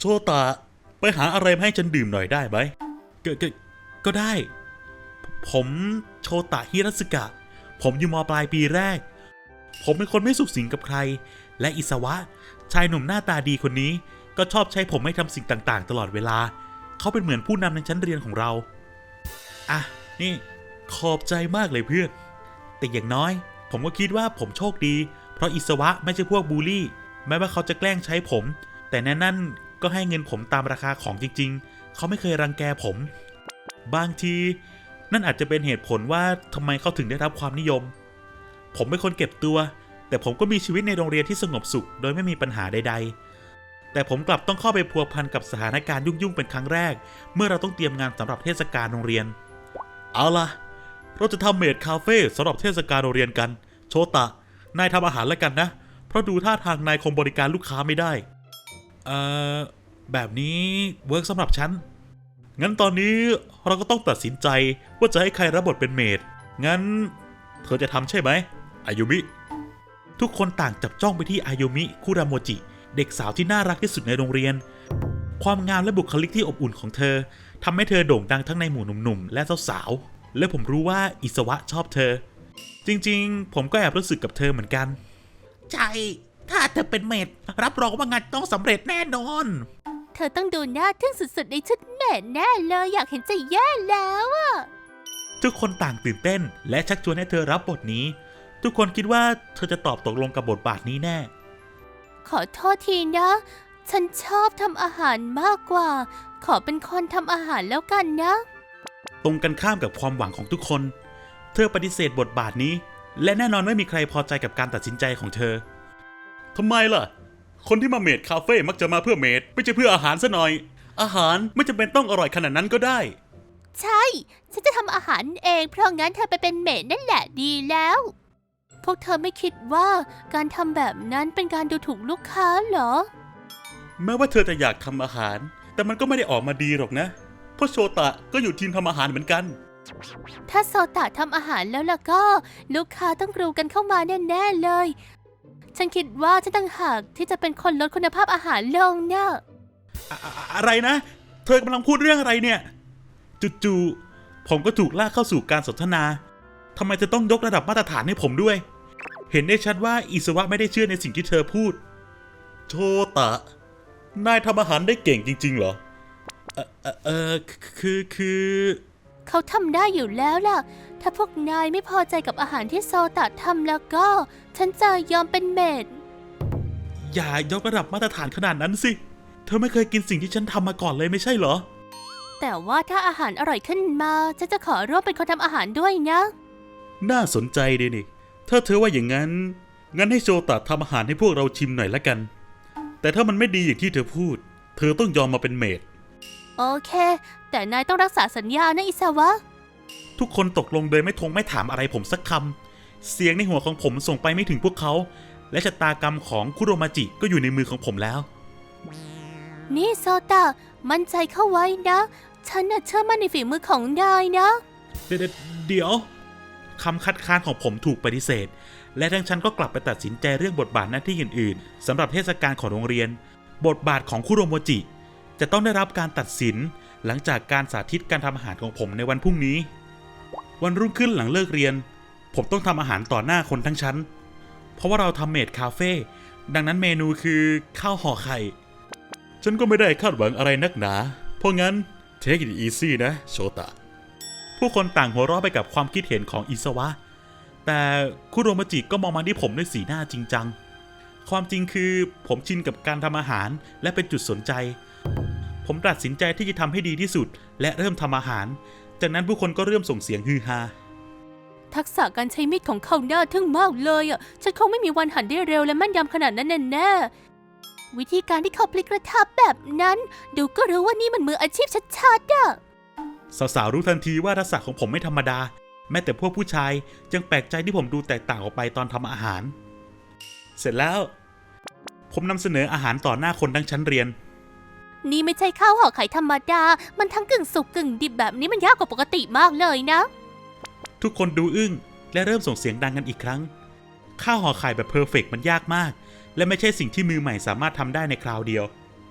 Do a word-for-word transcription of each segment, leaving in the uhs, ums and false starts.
ตะไปหาอะไรมาให้ฉันดื่มหน่อยได้ไหมก็ก็ก็ได้ผมโชตะฮิรัสึกะผมอยู่ม.ปลายปีแรกผมเป็นคนไม่สุขสิงกับใครและอิสวะชายหนุ่มหน้าตาดีคนนี้ก็ชอบใช้ผมให้ทำสิ่งต่างๆตลอดเวลาเขาเป็นเหมือนผู้นำในชั้นเรียนของเราอ่ะนี่ขอบใจมากเลยเพื่อนแต่อย่างน้อยผมก็คิดว่าผมโชคดีเพราะอิสวะไม่ใช่พวกบูลลี่แม้ว่าเขาจะแกล้งใช้ผมแต่นั่นนั่นก็ให้เงินผมตามราคาของจริงๆเขาไม่เคยรังแกผมบางทีนั่นอาจจะเป็นเหตุผลว่าทำไมเขาถึงได้รับความนิยมผมเป็นคนเก็บตัวแต่ผมก็มีชีวิตในโรงเรียนที่สงบสุขโดยไม่มีปัญหาใดๆแต่ผมกลับต้องเข้าไปพัวพันกับสถานการณ์ยุ่งๆเป็นครั้งแรกเมื่อเราต้องเตรียมงานสำหรับเทศกาลโรงเรียนเอาล่ะเราจะทำเมดคาเฟ่สำหรับเทศกาลโรงเรียนกันโชตะนายทำอาหารแล้วกันนะเพราะดูท่าทางนายคงบริการลูกค้าไม่ได้เอ่อแบบนี้เวิร์กสำหรับฉันงั้นตอนนี้เราก็ต้องตัดสินใจว่าจะให้ใครรับบทเป็นเมดงั้นเธอจะทำใช่ไหมอายุมิทุกคนต่างจับจ้องไปที่อายุมิคุราโมจิเด็กสาวที่น่ารักที่สุดในโรงเรียนความงามและบุคลิกที่อบอุ่นของเธอทำให้เธอโด่งดังทั้งในหมู่หนุ่มๆและสาวๆและผมรู้ว่าอิสวะชอบเธอจริงๆผมก็แอบรู้สึกกับเธอเหมือนกันใช่ถ้าเธอเป็นเมดรับรองว่างานต้องสำเร็จแน่นอนเธอต้องดูน่าทึ่งสุดๆในชุดเมดแน่เลยอยากเห็นใจแย่แล้วอะทุกคนต่างตื่นเต้นและชักชวนให้เธอรับบทนี้ทุกคนคิดว่าเธอจะตอบตกลงกับบทบาทนี้แน่ขอโทษทีนะฉันชอบทำอาหารมากกว่าขอเป็นคนทำอาหารแล้วกันนะตรงกันข้ามกับความหวังของทุกคนเธอปฏิเสธบทบาทนี้และแน่นอนไม่มีใครพอใจกับการตัดสินใจของเธอทำไมล่ะคนที่มาเมดคาเฟ่มักจะมาเพื่อเมดไม่ใช่เพื่ออาหารซะหน่อยอาหารไม่จำเป็นต้องอร่อยขนาดนั้นก็ได้ใช่ฉันจะทำอาหารเองเพราะงั้นเธอไปเป็นเมดนั่นแหละดีแล้วพวกเธอไม่คิดว่าการทำแบบนั้นเป็นการดูถูกลูกค้าเหรอแม้ว่าเธอจะอยากทำอาหารแต่มันก็ไม่ได้ออกมาดีหรอกนะเพราะโชตะก็อยู่ทีมทำอาหารเหมือนกันถ้าโซตะทำอาหารแล้วล่ะก็ลูกค้าต้องกรูกันเข้ามาแน่ๆเลยฉันคิดว่าฉันต่างหากที่จะเป็นคนลดคุณภาพอาหารลงเนี่ยอะอะไรนะเธอกำลังพูดเรื่องอะไรเนี่ยจู่ๆผมก็ถูกลากเข้าสู่การสนทนาทำไมเธอต้องยกระดับมาตรฐานให้ผมด้วยเห็นได้ชัดว่าอิสวะไม่ได้เชื่อในสิ่งที่เธอพูดโชตะนายทำอาหารได้เก่งจริงๆเหรอเออเออเออคือคือเขาทำได้อยู่แล้วล่ะถ้าพวกนายไม่พอใจกับอาหารที่โซตะทำแล้วก็ฉันจะยอมเป็นเมดอย่ายกระดับมาตรฐานขนาดนั้นสิเธอไม่เคยกินสิ่งที่ฉันทำมาก่อนเลยไม่ใช่เหรอแต่ว่าถ้าอาหารอร่อยขึ้นมาฉันจะขอร่วมเป็นคนทำอาหารด้วยนะน่าสนใจดีนี่ถ้าเธอว่าอย่างนั้นงั้นให้โชตะทำอาหารให้พวกเราชิมหน่อยละกันแต่ถ้ามันไม่ดีอย่างที่เธอพูดเธอต้องยอมมาเป็นเมดโอเคแต่นายต้องรักษาสัญญานะอิซาวะทุกคนตกลงโดยไม่ทงไม่ถามอะไรผมสักคำเสียงในหัวของผมส่งไปไม่ถึงพวกเขาและชะตากรรมของคุโรมาจิก็อยู่ในมือของผมแล้วนี่โซตะมั่นใจเข้าไว้นะฉันน่ะเชื่อมั่นในฝีมือของนายนะเดี๋ยวเดี๋ยวคำคัดค้านของผมถูกปฏิเสธและทั้งฉันก็กลับไปตัดสินใจเรื่องบทบาทหน้าที่อื่นๆสำหรับเทศกาลของโรงเรียนบทบาทของคุโรโมจิจะต้องได้รับการตัดสินหลังจากการสาธิตการทำอาหารของผมในวันพรุ่งนี้วันรุ่งขึ้นหลังเลิกเรียนผมต้องทำอาหารต่อหน้าคนทั้งชั้นเพราะว่าเราทำเมดคาเฟ่ดังนั้นเมนูคือข้าวห่อไข่ฉันก็ไม่ได้คาดหวังอะไรนักหนาเพราะงั้น take it easy นะโชตะผู้คนต่างหัวเราะไปกับความคิดเห็นของอิสวะแต่คุโรมาจิก็มองมาที่ผมด้วยสีหน้าจริงจังความจริงคือผมชินกับการทำอาหารและเป็นจุดสนใจผมตัดสินใจที่จะทำให้ดีที่สุดและเริ่มทำอาหารจากนั้นผู้คนก็เริ่มส่งเสียงฮือฮาทักษะการใช้มีดของเขาน่าทึ่งมากเลยอ่ะฉันคงไม่มีวันหั่นได้เร็วและแม่นยำขนาดนั้นแน่ๆวิธีการที่เขาพลิกกระทะแบบนั้นดูก็รู้ว่านี่มันมืออาชีพชัดๆอ่ะสาวๆรู้ทันทีว่าทักษะของผมไม่ธรรมดาแม้แต่พวกผู้ชายยังแปลกใจที่ผมดูแตกต่างออกไปตอนทำอาหารเสร็จแล้วผมนำเสนออาหารต่อหน้าคนทั้งชั้นเรียนนี่ไม่ใช่ข้าวห่อไข่ธรรมดามันทั้งกึ่งสุกกึ่งดิบแบบนี้มันยากกว่าปกติมากเลยนะทุกคนดูอึ้งและเริ่มส่งเสียงดังกันอีกครั้งข้าวห่อไข่แบบเพอร์เฟกต์มันยากมากและไม่ใช่สิ่งที่มือใหม่สามารถทำได้ในคราวเดียว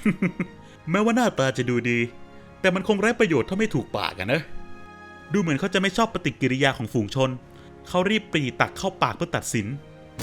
แม้ว่าหน้าตาจะดูดีแต่มันคงไร้ประโยชน์ถ้าไม่ถูกปากอะนะดูเหมือนเขาจะไม่ชอบปฏิกิริยาของฝูงชนเขารีบปรีตักเข้าปากเพื่อตัดสิน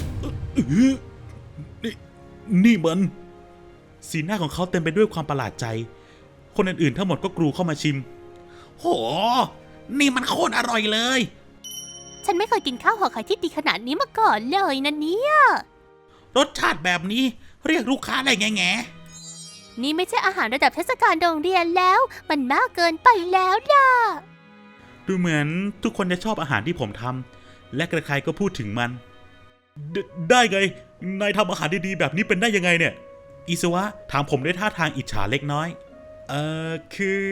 นี่นี่มันสีหน้าของเขาเต็มไปด้วยความประหลาดใจคนอื่นๆทั้งหมดก็กรูเข้ามาชิมโหนี่มันโคตรอร่อยเลยฉันไม่เคยกินข้าวห่อไข่ที่ดีขนาดนี้มาก่อนเลยนะเนี่ยรสชาติแบบนี้เรียกลูกค้าได้แง่แง่นี่ไม่ใช่อาหารระดับเทศกาลโรงเรียนแล้ว มันมากเกินไปแล้วล่ะดูเหมือนทุกคนจะชอบอาหารที่ผมทำและใครๆก็พูดถึงมันไดได้ไงนายทำอาหารดีๆแบบนี้เป็นได้ยังไงเนี่ยอิสวะถามผมด้วยท่าทางอิจฉาเล็กน้อยเอ่อคือน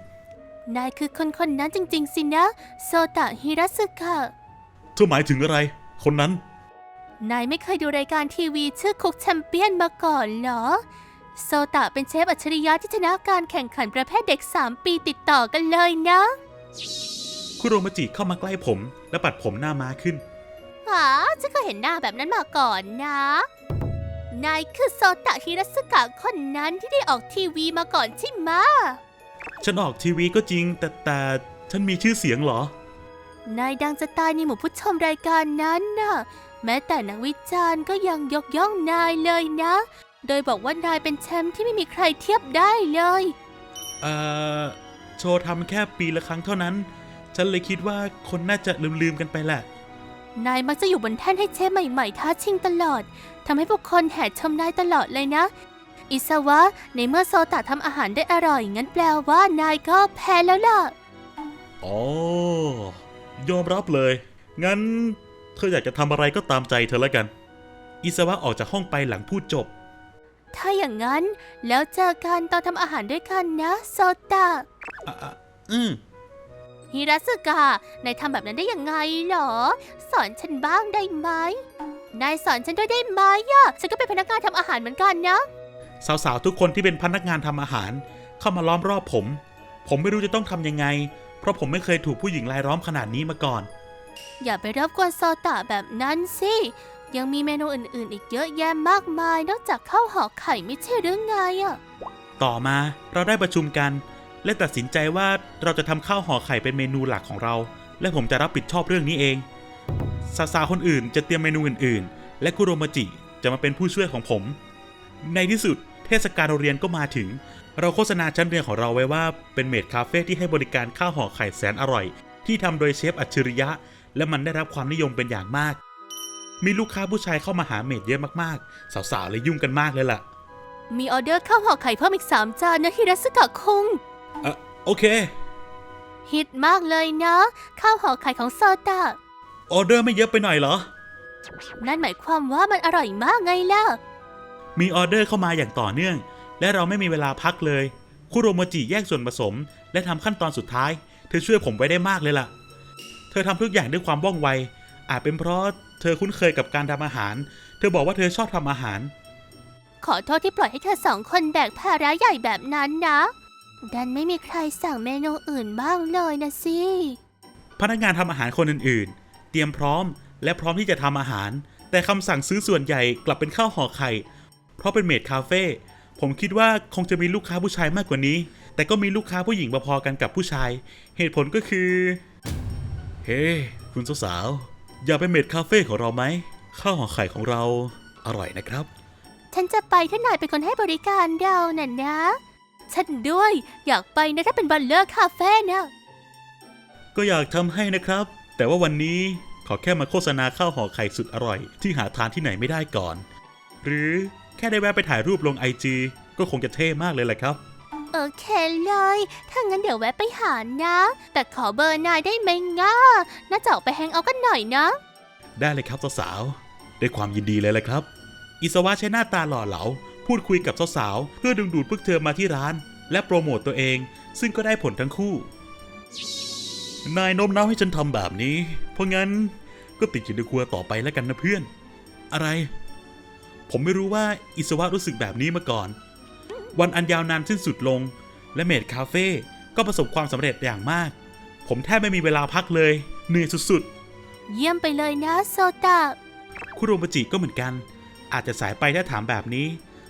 ายคือคนคนนั้นจริงๆสินะโซตะฮิรัสึกะเธอหมายถึงอะไรคนนั้นนายไม่เคยดูรายการทีวีชื่อคุกแชมเปี้ยนมาก่อนเหรอโซตะเป็นเชฟอัจฉริยะที่ชนะการแข่งขันประเภทเด็กสามปีติดต่อกันเลยนะคุโรมาจิเข้ามาใกล้ผมและปัดผมหน้าม้าขึ้นอ๋อฉันก็เห็นหน้าแบบนั้นมาก่อนนะ นายคือโซตะฮิรัสึกะคนนั้นที่ได้ออกทีวีมาก่อนใช่ไหมะฉันออกทีวีก็จริงแต่แต่ฉันมีชื่อเสียงเหรอนายดังจะตายในหมู่ผู้ชมรายการนั้นน่ะ แม้แต่นักวิจารณ์ก็ยังยกย่องนายเลยนะ โดยบอกว่านายเป็นแชมป์ที่ไม่มีใครเทียบได้เลยเอ่อโชว์ทำแค่ปีละครั้งเท่านั้น ฉันเลยคิดว่าคนน่าจะลืมๆกันไปแหละนายมักจะอยู่บนแท่นให้เชฟใหม่ๆท้าชิงตลอดทำให้ผู้คนแห่ชมนายตลอดเลยนะ อิซาวะในเมื่อโซตะทำอาหารได้อร่อยงั้นแปลว่านายก็แพ้แล้วล่ะอ๋อ ยอมรับเลย งั้นเธออยากจะทำอะไรก็ตามใจเธอแล้วกัน อิสวะออกจากห้องไปหลังพูดจบถ้าอย่างนั้นแล้วเจอกันตอนทำอาหารด้วยกันนะโซตะอ่ะอ่ะอืมฮิรัสึกะนายทำแบบนั้นได้ยังไงเหรอ สอนฉันบ้างได้ไหมนายสอนฉันด้วยได้ไหมอะฉันก็เป็นพนักงานทำอาหารเหมือนกันนะสาวๆทุกคนที่เป็นพนักงานทำอาหาร เข้ามาล้อมรอบผม ผมไม่รู้จะต้องทำยังไง เพราะผมไม่เคยถูกผู้หญิงรายล้อมขนาดนี้มาก่อนอย่าไปรบกวนโซตะแบบนั้นสิ ยังมีเมนูอื่นๆ อีกเยอะแยะมากมายนอกจากข้าวห่อไข่ไม่ใช่หรือไงอะต่อมาเราได้ประชุมกัน และตัดสินใจว่าเราจะทำข้าวห่อไข่เป็นเมนูหลักของเรา และผมจะรับผิดชอบเรื่องนี้เองสาวๆคนอื่นจะเตรียมเมนูอื่นๆ และคุโรมาจิจะมาเป็นผู้ช่วยของผม ในที่สุดเทศกาลโรงเรียนก็มาถึง เราโฆษณาชั้นเรียนของเราไว้ว่าเป็นเมดคาเฟ่ที่ให้บริการข้าวห่อไข่แสนอร่อย ที่ทำโดยเชฟอัจฉริยะ และมันได้รับความนิยมเป็นอย่างมาก มีลูกค้าผู้ชายเข้ามาหาเมดเยอะมากๆ สาวๆเลยยุ่งกันมากเลยล่ะมีออเดอร์ข้าวห่อไข่เพิ่มอีกสามจานนะฮิรัสึกะคุงเอ่อโอเคฮิตมากเลยนะ ข้าวห่อไข่ของโซตะออเดอร์ไม่เยอะไปหน่อยเหรอนั่นหมายความว่ามันอร่อยมากไงล่ะมีออเดอร์เข้ามาอย่างต่อเนื่อง และเราไม่มีเวลาพักเลย คุโรมาจิแยกส่วนผสม และทำขั้นตอนสุดท้าย เธอช่วยผมไว้ได้มากเลยล่ะ เธอทำทุกอย่างด้วยความว่องไว อาจเป็นเพราะเธอคุ้นเคยกับการทำอาหาร เธอบอกว่าเธอชอบทำอาหารขอโทษที่ปล่อยให้เธอสองคนแบกภาระใหญ่แบบนั้นนะ ดันไม่มีใครสั่งเมนูอื่นบ้างเลยนะสิพนักงานทำอาหารคนอื่นๆ เตรียมพร้อมและพร้อมที่จะทำอาหาร แต่คำสั่งซื้อส่วนใหญ่กลับเป็นข้าวห่อไข่ เพราะเป็นเมดคาเฟ่ ผมคิดว่าคงจะมีลูกค้าผู้ชายมากกว่านี้ แต่ก็มีลูกค้าผู้หญิงพอๆกันกับผู้ชาย เหตุผลก็คือ เฮ้ hey, คุณสาวๆ อย่าไปเมดคาเฟ่ของเราไหม ข้าวห่อไข่ของเราอร่อยนะครับฉันจะไปถ้านายเป็นคนให้บริการเราน่ะนะ ฉันด้วยอยากไปนะถ้าเป็นบัลเลอร์คาเฟ่นะก็อยากทำให้นะครับ แต่ว่าวันนี้ขอแค่มาโฆษณาข้าวห่อไข่สุดอร่อยที่หาทานที่ไหนไม่ได้ก่อน หรือแค่ได้แวะไปถ่ายรูปลงไอจีก็คงจะเท่มากเลยแหละครับโอเคเลย ถ้างั้นเดี๋ยวแวะไปหานะ แต่ขอเบอร์นายได้ไหมง่าน่าจะออกไปแฮงเอาท์กันหน่อยนะได้เลยครับสาวๆด้วยความยินดีเลยแหละครับ อิสวะใช้หน้าตาหล่อเหลาพูดคุยกับสาวๆเพื่อดึงดูดพวกเธอมาที่ร้าน และโปรโมตตัวเอง ซึ่งก็ได้ผลทั้งคู่ นายโน้มน้าวให้ฉันทำแบบนี้ เพราะงั้นก็ติดอยู่ในครัวต่อไปแล้วกันนะเพื่อน อะไร ผมไม่รู้ว่าอิสวะรู้สึกแบบนี้มาก่อน วันอันยาวนานสิ้นสุดลง และเมดคาเฟ่ก็ประสบความสำเร็จอย่างมาก ผมแทบไม่มีเวลาพักเลยเหนื่อยสุดๆเยี่ยมไปเลยนะโซตะคุโรมาจิก็เหมือนกัน อาจจะสายไปถ้าถามแบบนี้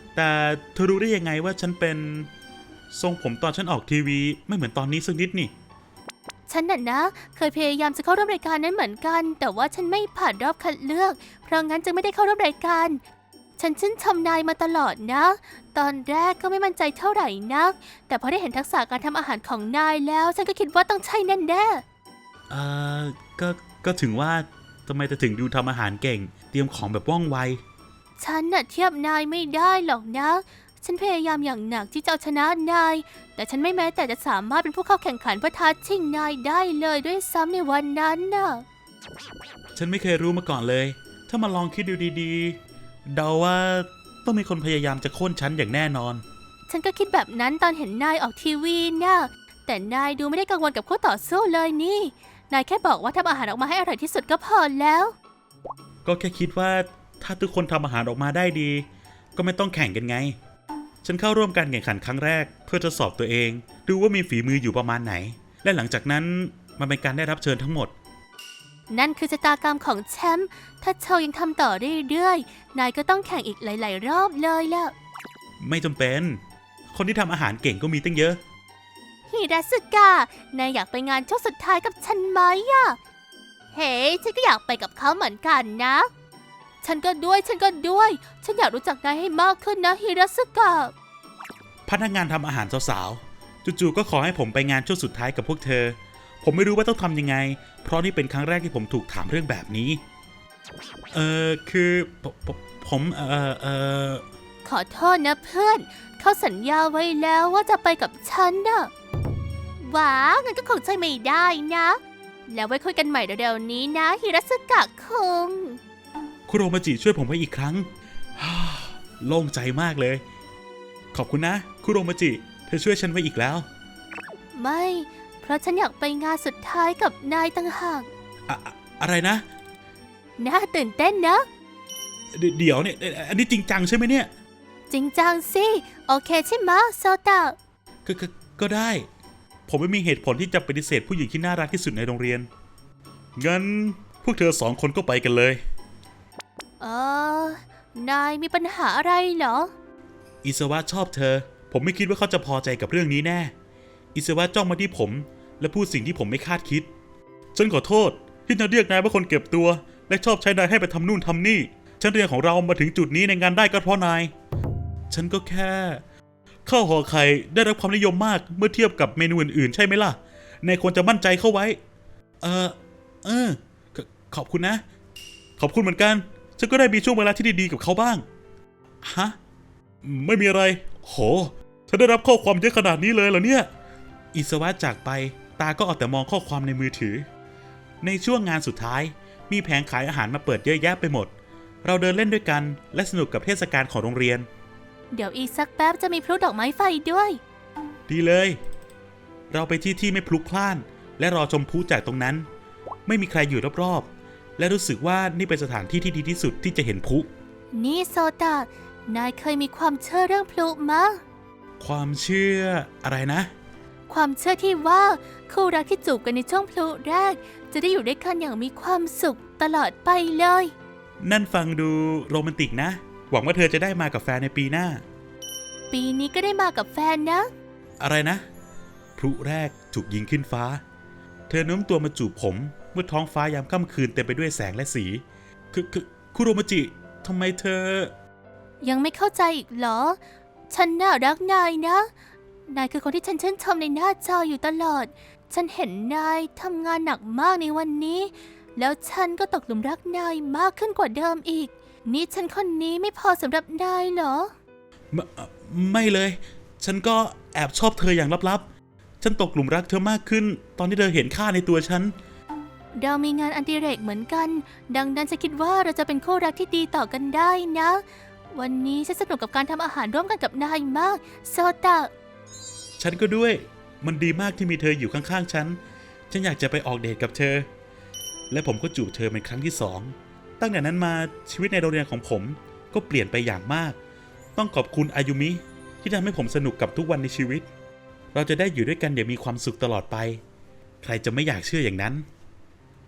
แต่เธอรู้ได้ยังไงว่าฉันเป็นทรงผมตอนฉันออกทีวีไม่เหมือนตอนนี้สักนิดนี่ฉันน่ะนะ เคยพยายามจะเข้าร่วมรายการนั้นเหมือนกัน แต่ว่าฉันไม่ผ่านรอบคัดเลือก เพราะงั้นจึงไม่ได้เข้าร่วมรายการ ฉันชื่นชมนายมาตลอดนะ ตอนแรกก็ไม่มั่นใจเท่าไหร่นัก แต่พอได้เห็นทักษะการทำอาหารของนายแล้ว ฉันก็คิดว่าต้องใช่แน่แน่เอ่อก็ก็ถึงว่าทำไมเธอถึงดูทำอาหารเก่ง เตรียมของแบบว่องไวๆฉันน่ะเทียบนายไม่ได้หรอกนะ ฉันพยายามอย่างหนักที่จะเอาชนะนาย แต่ฉันไม่แม้แต่จะสามารถเป็นผู้เข้าแข่งขันเพื่อท้าชิงนายได้เลยด้วยซ้ำในวันนั้นน่ะฉันไม่เคยรู้มาก่อนเลย ถ้ามาลองคิดดูดีๆ เดาว่าต้องมีคนพยายามจะโค่นฉันอย่างแน่นอนฉันก็คิดแบบนั้นตอนเห็นนายออกทีวีนะแต่นายดูไม่ได้กังวลกับคู่ต่อสู้เลยนี่ นายแค่บอกว่าทำอาหารออกมาให้อร่อยที่สุดก็พอแล้วก็แค่คิดว่าถ้าทุกคนทำอาหารออกมาได้ดี ก็ไม่ต้องแข่งกันไง ฉันเข้าร่วมการแข่งขันครั้งแรกเพื่อทดสอบตัวเอง ดูว่ามีฝีมืออยู่ประมาณไหน และหลังจากนั้นมันเป็นการได้รับเชิญทั้งหมดนั่นคือชะตากรรมของแชมป์ ถ้าโชว์ยังทำต่อเรื่อยๆ นายก็ต้องแข่งอีกหลาย ๆ รอบเลยล่ะไม่จำเป็น คนที่ทำอาหารเก่งก็มีตั้งเยอะฮิราสึกะ นายอยากไปงานช่วงสุดท้ายกับฉันไหมอะเฮ้ ฉันก็อยากไปกับเขาเหมือนกันนะ ฉันก็ด้วย ฉันก็ด้วย ฉันอยากรู้จักนายให้มากขึ้นนะฮิราสึกะพนักงานทำอาหารสาวๆ จู่ๆ ก็ขอให้ผมไปงานช่วงสุดท้ายกับพวกเธอ ผมไม่รู้ว่าต้องทำยังไง เพราะนี่เป็นครั้งแรกที่ผมถูกถามเรื่องแบบนี้ เออคือผมผมผมเออเออขอโทษนะเพื่อน เขาสัญญาไว้แล้วว่าจะไปกับฉันน่ะว้างั้นก็คงใช่ไม่ได้นะ แล้วไว้คุยกันใหม่เร็วๆนี้นะฮิราสึกะคุงคุโรมาจิช่วยผมไว้อีกครั้ง โล่งใจมากเลย ขอบคุณนะ คุโรมาจิ เธอช่วยฉันไว้อีกแล้วไม่ เพราะฉันอยากไปงานสุดท้ายกับนายต่างหากอะอะอะไรนะน่าตื่นเต้นนะเดเดี๋ยวเนี่ย อันนี้จริงจังใช่ไหมเนี่ยจริงจังสิ โอเคใช่ไหมะโซตะก็ก็ก็ได้ ผมไม่มีเหตุผลที่จะปฏิเสธผู้หญิงที่น่ารักที่สุดในโรงเรียน งั้นพวกเธอสองคนก็ไปกันเลยเออ นายมีปัญหาอะไรเหรออิสวะชอบเธอ ผมไม่คิดว่าเขาจะพอใจกับเรื่องนี้แน่ อิสวะจ้องมาที่ผม และพูดสิ่งที่ผมไม่คาดคิด ฉันขอโทษที่จะเรียกนายว่าคนเก็บตัว และชอบใช้นายให้ไปทำนู่นทำนี่ ฉันเรียนของเรามาถึงจุดนี้ในงานได้ก็เพราะนาย ฉันก็แค่ข้าวห่อไข่ได้รับความนิยมมากเมื่อเทียบกับเมนูอื่นๆใช่ไหมล่ะ นายควรจะมั่นใจเข้าไว้ เออเออขขอบคุณนะ ขอบคุณเหมือนกัน ฉันก็ได้มีช่วงเวลาที่ดีๆกับเขาบ้าง ฮะ ไม่มีอะไร โห ฉันได้รับข้อความเยอะขนาดนี้เลยเหรอเนี่ย อิสวะจากไป ตาก็เอาแต่มองข้อความในมือถือ ในช่วงงานสุดท้าย มีแผงขายอาหารมาเปิดเยอะแยะไปหมด เราเดินเล่นด้วยกันและสนุกกับเทศกาลของโรงเรียนเดี๋ยวอีกสักแป๊บจะมีพลุดอกไม้ไฟด้วยดีเลย เราไปที่ที่ไม่พลุกพล่าน และรอชมพลุจากตรงนั้น ไม่มีใครอยู่รอบๆ และรู้สึกว่านี่เป็นสถานที่ที่ดีที่สุดที่จะเห็นพลุนี่โซตะ นายเคยมีความเชื่อเรื่องพลุมะความเชื่ออะไรนะความเชื่อที่ว่าคู่รักที่จูบกันในช่วงพลุแรก จะได้อยู่ด้วยกันอย่างมีความสุขตลอดไปเลยนั่นฟังดูโรแมนติกนะ หวังว่าเธอจะได้มากับแฟนในปีหน้าปีนี้ก็ได้มากับแฟนนะอะไรนะ พลุแรกถูกยิงขึ้นฟ้า เธอโน้มตัวมาจูบผมเมื่อท้องฟ้ายามค่ำคืนเต็มไปด้วยแสงและสี คือคือคุโรมาจิทำไมเธอยังไม่เข้าใจอีกเหรอ ฉันน่ารักนายนะ นายคือคนที่ฉันชื่นชมในหน้าจออยู่ตลอด ฉันเห็นนายทำงานหนักมากในวันนี้ แล้วฉันก็ตกหลุมรักนายมากขึ้นกว่าเดิมอีก นี่ฉันคนนี้ไม่พอสำหรับนายเหรอไม่ไม่เลย ฉันก็แอบชอบเธออย่างลับๆ ฉันตกหลุมรักเธอมากขึ้น ตอนที่เธอเห็นค่าในตัวฉันเรามีงานอดิเรกเหมือนกัน ดังนั้นฉันคิดว่าเราจะเป็นคู่รักที่ดีต่อกันได้นะ วันนี้ฉันสนุกกับการทำอาหารร่วมกันกับนายมาก โซตะฉันก็ด้วย มันดีมากที่มีเธออยู่ข้างๆ ฉัน ฉันอยากจะไปออกเดทกับเธอ และผมก็จูบเธอเป็นครั้งที่สอง ตั้งแต่นั้นมาชีวิตในโรงเรียนของผมก็เปลี่ยนไปอย่างมาก ต้องขอบคุณอายุมิที่ทำให้ผมสนุกกับทุกวันในชีวิต เราจะได้อยู่ด้วยกันอย่างมีความสุขตลอดไป ใครจะไม่อยากเชื่ออย่างนั้น